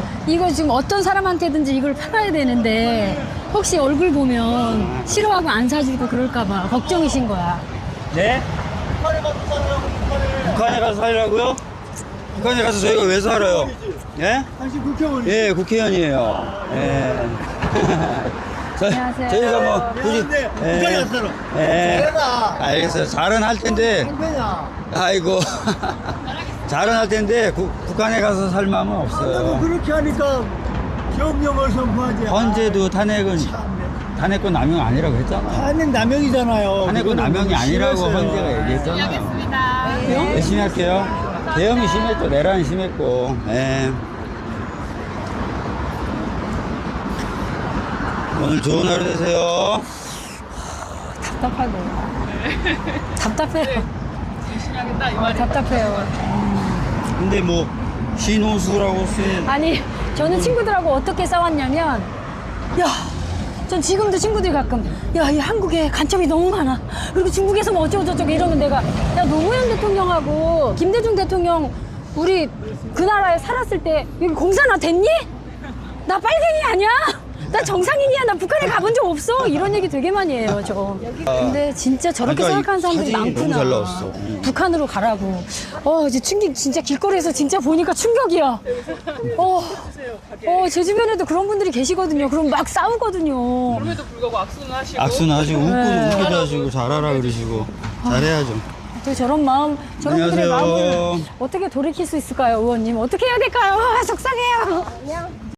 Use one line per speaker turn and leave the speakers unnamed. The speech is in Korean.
이거 지금 어떤 사람한테든지 이걸 팔아야 되는데 혹시 얼굴 보면 싫어하고 안 사주고 그럴까봐 걱정이신 거야.
네? 북한에 가서 살라고요? 북한에 가서 저희가 왜 살아요? 예?
당신 국회의원이
예, 국회의원이에요. 예.
안녕하세요.
저희가 뭐 굳이
북한에 가서 살아.
예.
잘해라.
알겠어요. 잘은 할 텐데.
행패냐?
아이고. 잘은 할 텐데 북한에 가서 살 마음은
나도
없어요.
그렇게 하니까 경영을 선포하지.
헌재도 탄핵권 남용 아니라고 했잖아.
탄핵 남용이잖아요.
탄핵권 남용이 아니라고 헌재가 얘기했잖아요. 열심히 할게요. 대형이 심했고 내란이 심했고. 예. 오늘 좋은 하루 되세요.
답답하고. 답답해요.
열심히 하겠다 이 말이야.
답답해요.
근데 뭐 신호수라고 쓴
아니, 저는 친구들하고 어떻게 싸웠냐면, 야, 전 지금도 친구들이 가끔, 야, 이 한국에 간첩이 너무 많아. 그리고 중국에서 뭐 어쩌고저쩌고 이러면 내가, 야, 노무현 대통령하고 김대중 대통령, 우리 그 나라에 살았을 때 여기 공산화 됐니? 나 빨갱이 아니야? 나 정상인이야. 나 북한에 가본 적 없어. 이런 얘기 되게 많이 해요, 저. 근데 진짜 저렇게
그러니까
생각하는 사람들이
사진이
많구나.
너무 잘 나왔어.
북한으로 가라고. 이제 충격, 진짜 길거리에서 진짜 보니까 충격이야. 제 주변에도 그런 분들이 계시거든요. 그럼 막 싸우거든요.
그럼에도 불구하고 악수는 하시고.
악수는 하시고
네.
웃기도 하시고 잘하라 그러시고 잘해야죠.
또 저런 마음, 저런 분들의
안녕하세요.
마음을 어떻게 돌이킬 수 있을까요, 의원님? 어떻게 해야 될까요? 속상해요.